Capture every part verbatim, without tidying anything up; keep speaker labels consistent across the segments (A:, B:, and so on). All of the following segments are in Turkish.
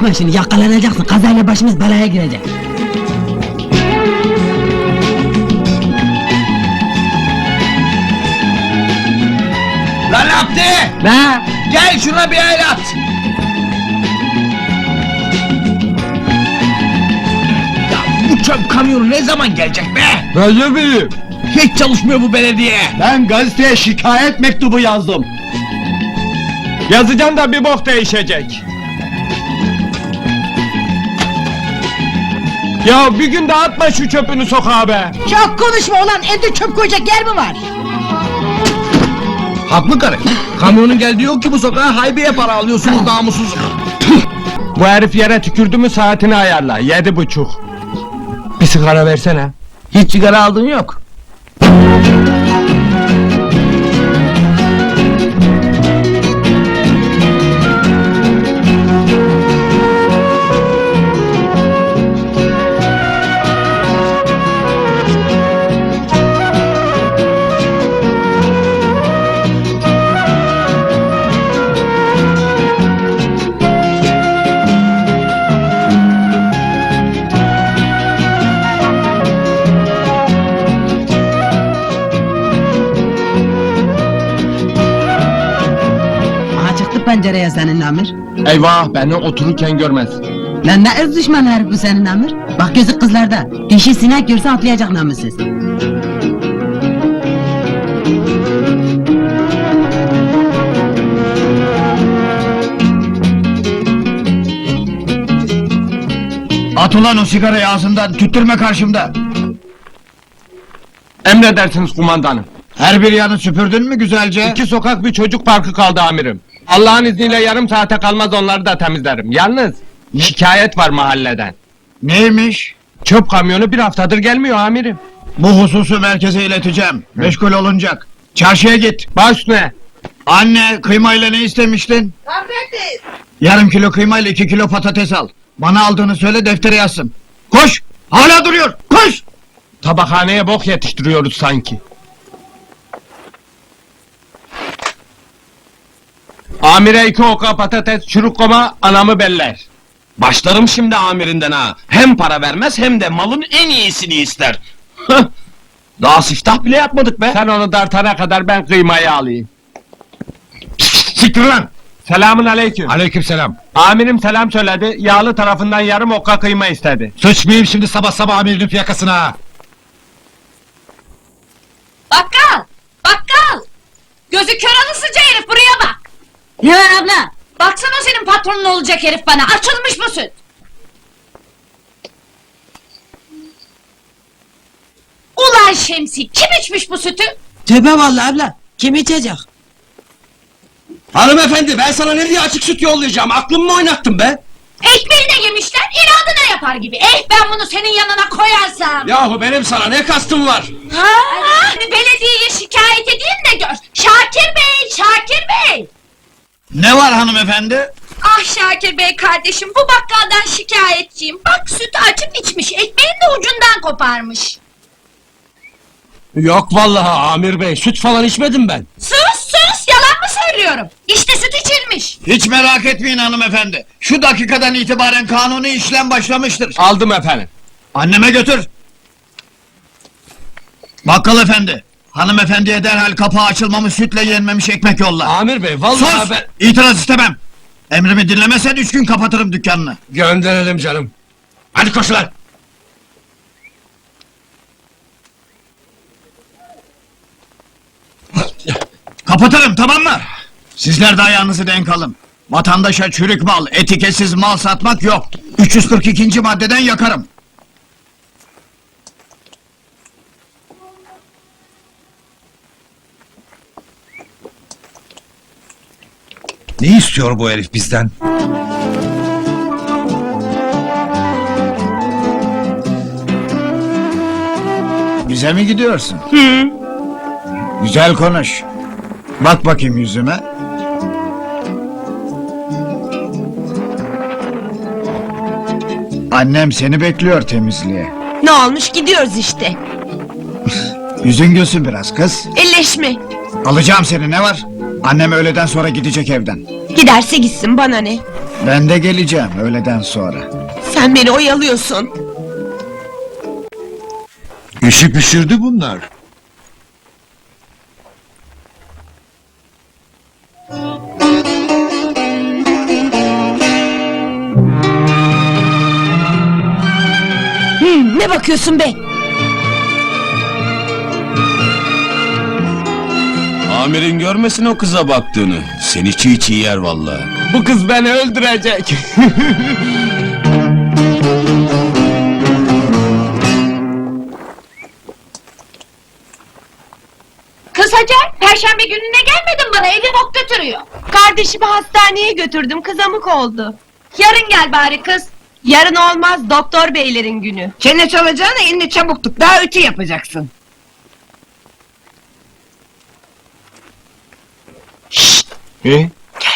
A: Yapma şimdi, yakalanacaksın, kazayla başımız belaya girecek.
B: Lan Abdi!
A: Ne?
B: Gel şuna bir el at! Ya bu çöp kamyonu ne zaman gelecek be?
C: Ben ne bileyim?
B: Hiç çalışmıyor bu belediye!
C: Ben gazeteye şikayet mektubu yazdım. Yazacağım da bir bok değişecek. Ya bir gün de atma şu çöpünü sokağa be!
A: Çok konuşma ulan, evde çöp koyacak yer mi var?
B: Haklı karı! Kamyonun geldiği yok ki bu sokağa, haybeye para alıyorsunuz namussuz!
C: Bu herif yere tükürdü mü saatini ayarla, yedi buçuk. Bir sigara versene.
B: Hiç sigara aldın yok!
A: Pencereye senin Amir.
C: Eyvah, beni otururken görmez.
A: Lan ne ırz düşmanı herif bu senin Amir. Bak gözü kızlarda. Dişi sinek görse atlayacak namussuz.
B: At ulan o sigarayı ağzından, tüttürme karşımda!
C: Emredersiniz kumandanım.
B: Her bir yanı süpürdün mü güzelce?
C: İki sokak bir çocuk parkı kaldı amirim. Allah'ın izniyle yarım saate kalmaz onları da temizlerim. Yalnız şikayet var mahalleden.
B: Neymiş?
C: Çöp kamyonu bir haftadır gelmiyor amirim.
B: Bu hususu merkeze ileteceğim. Meşgul olunacak. Çarşıya git.
C: Baş ne?
B: Anne, kıymayla ne istemiştin?
D: Patates.
B: Yarım kilo kıymayla iki kilo patates al. Bana aldığını söyle, deftere yazsın. Koş! Hala duruyor! Koş!
C: Tabakhaneye bok yetiştiriyoruz sanki. Amire iki oka patates, çürük koma, anamı beller.
E: Başlarım şimdi amirinden ha. Hem para vermez hem de malın en iyisini ister. Hıh! Daha siftah bile yapmadık be.
C: Sen onu dartana kadar ben kıymayı alayım.
E: Siktir lan!
C: Selamun aleyküm.
E: Aleykümselam.
C: Amirim selam söyledi, yağlı tarafından yarım okka kıyma istedi.
E: Sıçmayayım şimdi sabah sabah amirinin fiyakasına ha.
D: Bakkal. Bakkal. Gözü kör alınsıca herif, buraya bak.
A: Ne var abla?
D: Baksana o senin patronun olacak herif bana. Açılmış bu süt. Ulan Şemsi, kim içmiş bu sütü?
A: Tövbe vallahi abla. Kim içecek?
E: Hanımefendi ben sana ne diye açık süt yollayacağım? Aklımı mı oynattın be?
D: Ekmeğine yemişler, inadına yapar gibi. Eh, ben bunu senin yanına koyarsam.
E: Yahu benim sana ne kastım var?
D: Ha, belediyeye şikayet edeyim de gör. Şakir Bey, Şakir Bey.
B: Ne var hanımefendi?
D: Ah Şakir Bey kardeşim, bu bakkaldan şikayetçiyim. Bak sütü açıp içmiş, ekmeğin de ucundan koparmış.
E: Yok vallahi amir bey, süt falan içmedim ben.
D: Sus sus, yalan mı söylüyorum? İşte süt içilmiş.
B: Hiç merak etmeyin hanımefendi. Şu dakikadan itibaren kanuni işlem başlamıştır.
C: Aldım efendim.
B: Anneme götür. Bakkal efendi, hanımefendiye derhal kapağı açılmamış sütle yenmemiş ekmek yolla.
E: Amir bey vallahi
B: Sus!
E: ben...
B: İtiraz istemem. Emrimi dinlemezsen üç gün kapatırım dükkanını.
E: Gönderelim canım. Hadi koş lan!
B: Kapatırım, tamam mı? Sizler de ayağınızı denk alın. Vatandaşa çürük mal, etiketsiz mal satmak yok. üç yüz kırk ikinci maddeden yakarım.
F: Ne istiyor bu herif bizden?
B: Bize mi gidiyorsun? Hı. Güzel konuş. Bak bakayım yüzüme. Annem seni bekliyor temizliğe.
G: Ne olmuş, gidiyoruz işte.
B: Yüzün gülsün biraz kız.
G: Elleşme.
B: Alacağım seni, ne var? Annem öğleden sonra gidecek evden.
G: Giderse gitsin, bana ne?
B: Ben de geleceğim öğleden sonra.
G: Sen beni oyalıyorsun.
F: İşi pişirdi bunlar.
G: Hı, ne bakıyorsun be?
E: Amirin görmesin o kıza baktığını. Seni çiğ çiğ yer vallahi.
C: Bu kız beni öldürecek.
D: Kız Hacer, perşembe gününe gelmedin bana, evi bok götürüyor.
G: Kardeşimi hastaneye götürdüm, kızamık oldu.
D: Yarın gel bari kız.
G: Yarın olmaz, doktor beylerin günü.
A: Çene çalacağına elini çabuk tut. Daha ötü yapacaksın.
C: He?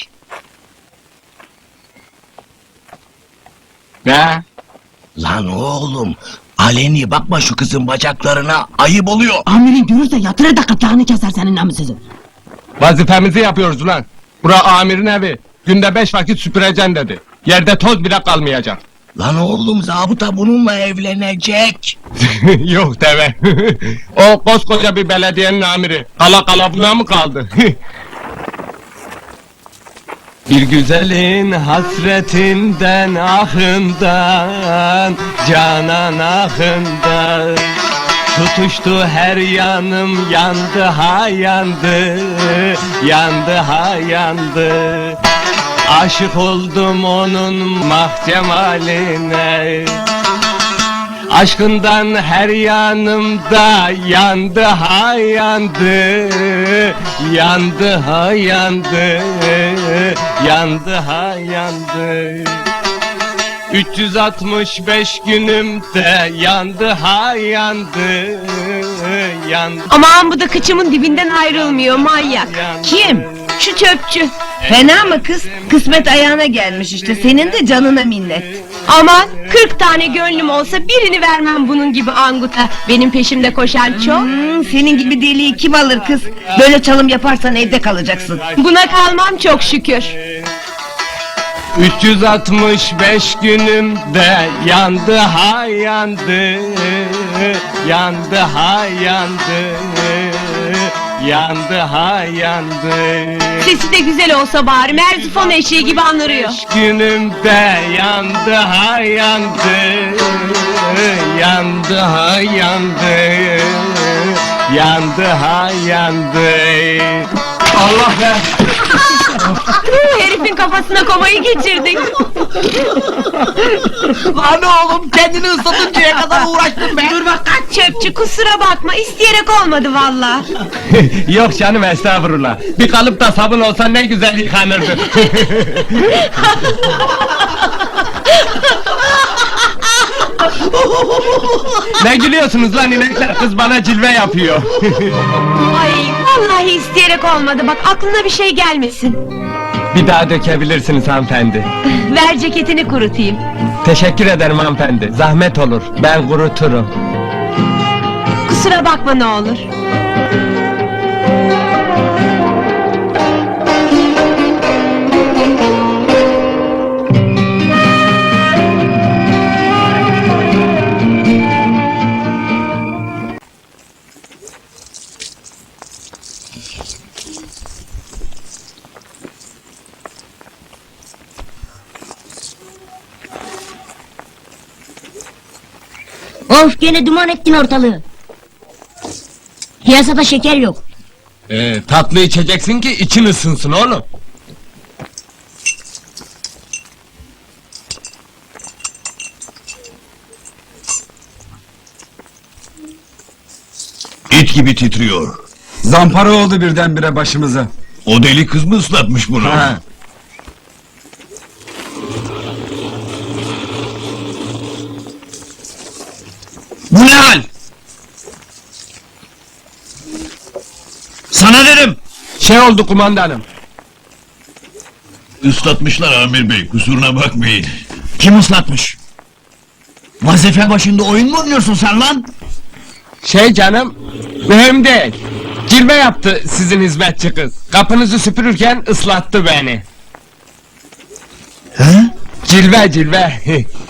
C: Ne?
E: Lan oğlum, aleni bakma şu kızın bacaklarına, ayıp oluyor.
A: Amirin görürse yatırır da gırtlağını keser senin namussuzun.
C: Vazifemizi yapıyoruz ulan. Bura amirin evi. Günde beş vakit süpüreceksin dedi. Yerde toz bile kalmayacak.
E: Lan oğlum, zabıta bununla evlenecek.
C: Yok deve. O koskoca bir belediyenin amiri. Kala kala buna mı kaldı? Bir güzelin hasretinden ahından, canan ahından. Tutuştu her yanım, yandı ha yandı, yandı ha yandı. Aşık oldum onun mahcemaline. Aşkından her yanımda yandı ha yandı, yandı ha yandı, yandı ha yandı. üç yüz altmış beş günümde yandı ha yandı, yandı.
G: Aman bu da kıçımın dibinden ayrılmıyor manyak. Kim? Şu çöpçü.
A: Fena mı kız? Kısmet ayağına gelmiş işte. Senin de canına minnet.
G: Aman kırk tane gönlüm olsa birini vermem bunun gibi anguta. Benim peşimde koşan çok.
A: Hmm, senin gibi deliği kim alır kız? Böyle çalım yaparsan evde kalacaksın.
G: Buna kalmam çok şükür.
C: üç yüz altmış beş günümde yandı ha yandı, yandı ha yandı, yandı ha yandı.
G: Sesi de güzel olsa bari Merzifon eşeği gibi anırıyor.
C: Beş günümde yandı ha yandı, yandı ha yandı, yandı ha yandı. Allah be!
G: Herifin kafasına komayı geçirdik.
A: Lan oğlum kendini ıslatıncaya kadar uğraştım be.
G: Dur bak kaç çöpçü kusura bakma isteyerek olmadı valla.
C: Yok canım estağfurullah. Bir kalıp da sabun olsa ne güzel yıkanırdı. Ne gülüyorsunuz lan inekler? Kız bana cilve yapıyor.
G: Ay vallahi isteyerek olmadı bak aklına bir şey gelmesin.
C: Bir daha dökebilirsiniz hanımefendi.
G: Ver ceketini kurutayım.
C: Teşekkür ederim hanımefendi. Zahmet olur. Ben kuruturum.
G: Kusura bakma ne olur.
H: Of gene duman ettin ortalığı. Piyasada şeker yok.
C: Ee, tatlı içeceksin ki için ısınsın oğlum.
B: İt gibi titriyor.
F: Zampara oldu birdenbire başımıza.
B: O deli kız mı ıslatmış bunu?
F: Ha.
B: Bu ne hal? Sana dedim.
C: Şey oldu kumandanım.
B: Islatmışlar Amir Bey, kusuruna bakmayın. Kim ıslatmış? Vazife başında oyun mu oynuyorsun sen lan?
C: Şey canım, mühim değil. Cilve yaptı sizin hizmetçi kız. Kapınızı süpürürken ıslattı beni.
B: He?
C: Cilve cilve.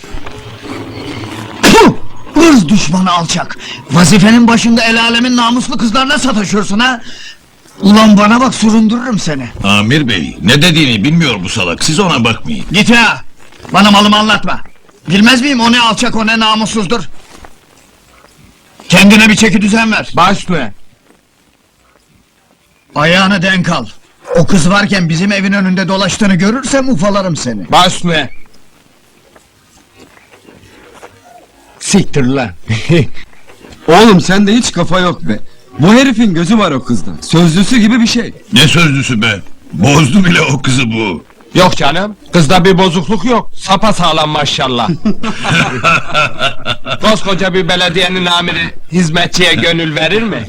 B: Puh! Irz düşmanı alçak! Vazifenin başında el alemin namuslu kızlarına sataşıyorsun ha? Ulan bana bak, süründürürüm seni!
I: Amir bey, ne dediğini bilmiyor bu salak, siz ona bakmayın.
B: Git ya! Bana malımı anlatma! Bilmez miyim o ne alçak, o ne namussuzdur? Kendine bir çeki düzen ver!
C: Baş ne?
B: Ayağını denk al! O kız varken bizim evin önünde dolaştığını görürsem ufalarım seni!
C: Baş ne? Siktir lan.
F: Oğlum sende hiç kafa yok be. Bu herifin gözü var o kızda. Sözlüsü gibi bir şey.
I: Ne sözlüsü be? Bozdu bile o kızı bu.
C: Yok canım, kızda bir bozukluk yok. Sapa sağlam maşallah. Koskoca bir belediyenin amiri hizmetçiye gönül verir mi?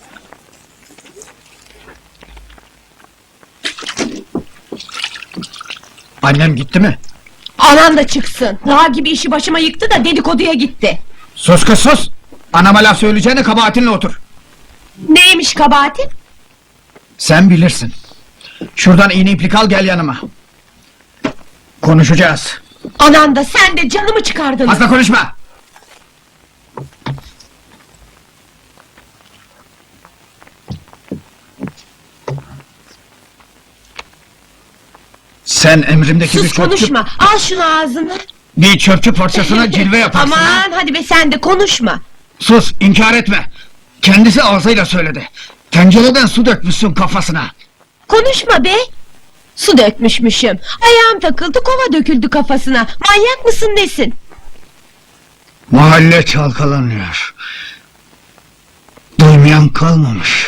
B: Annem gitti mi?
G: Anan da çıksın. Dağ gibi işi başıma yıktı da dedikoduya gitti.
B: Sus kız sus! Anama laf söyleyeceğine kabahatinle otur!
G: Neymiş kabahatin?
B: Sen bilirsin. Şuradan iğne iplik al, gel yanıma. Konuşacağız.
G: Anan da sen de canımı çıkardın.
B: Fazla konuşma! Sen emrimdeki bir
G: Sus
B: çöpçü...
G: konuşma. Al şunu ağzına.
B: Bir çöpçü parçasına cilve yaparsın ha?
G: Aman hadi be sen de konuşma.
B: Sus, inkar etme! Kendisi ağzıyla söyledi. Tencereden su dökmüşsün kafasına.
G: Konuşma be. Su dökmüşmüşüm. Ayağım takıldı, kova döküldü kafasına. Manyak mısın nesin?
B: Mahalle çalkalanıyor. Duymayan kalmamış.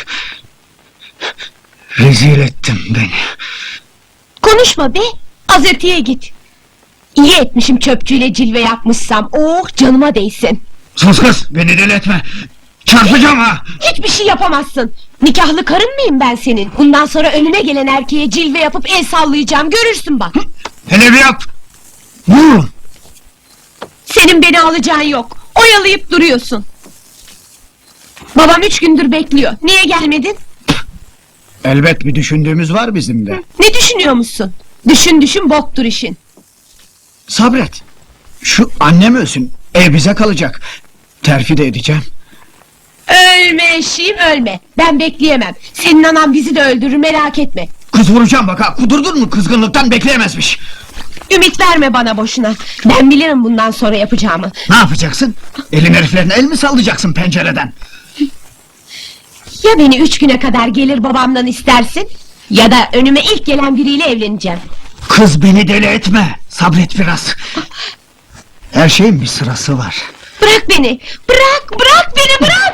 B: Rezil ettin beni.
G: Konuşma be. Az öteye git. İyi etmişim çöpçüyle cilve yapmışsam. Oh canıma değsin.
B: Sus kız, beni deli etme! Çarpacağım ha!
G: Hiçbir şey yapamazsın. Nikahlı karın mıyım ben senin? Bundan sonra önüne gelen erkeğe cilve yapıp el sallayacağım. Görürsün bak.
B: Hele bir yap! Vururum!
G: Senin beni alacağın yok. Oyalayıp duruyorsun. Babam üç gündür bekliyor. Niye gelmedin?
B: Elbet bir düşündüğümüz var bizim de.
G: Ne düşünüyor musun? Düşün düşün boktur işin.
B: Sabret! Şu annem ölsün, ev bize kalacak. Terfi de edeceğim.
G: Ölme eşeğim ölme. Ben bekleyemem. Senin anan bizi de öldürür merak etme.
B: Kız vuracağım bak ha, kudurdun mu kızgınlıktan bekleyemezmiş.
G: Ümit verme bana boşuna. Ben bilirim bundan sonra yapacağımı.
B: Ne yapacaksın? Elin heriflerine el mi sallayacaksın pencereden?
G: Ya beni üç güne kadar gelir babamdan istersin... ...ya da önüme ilk gelen biriyle evleneceğim.
B: Kız beni deli etme, sabret biraz. Her şeyin bir sırası var.
G: Bırak beni! Bırak! Bırak beni! Bırak!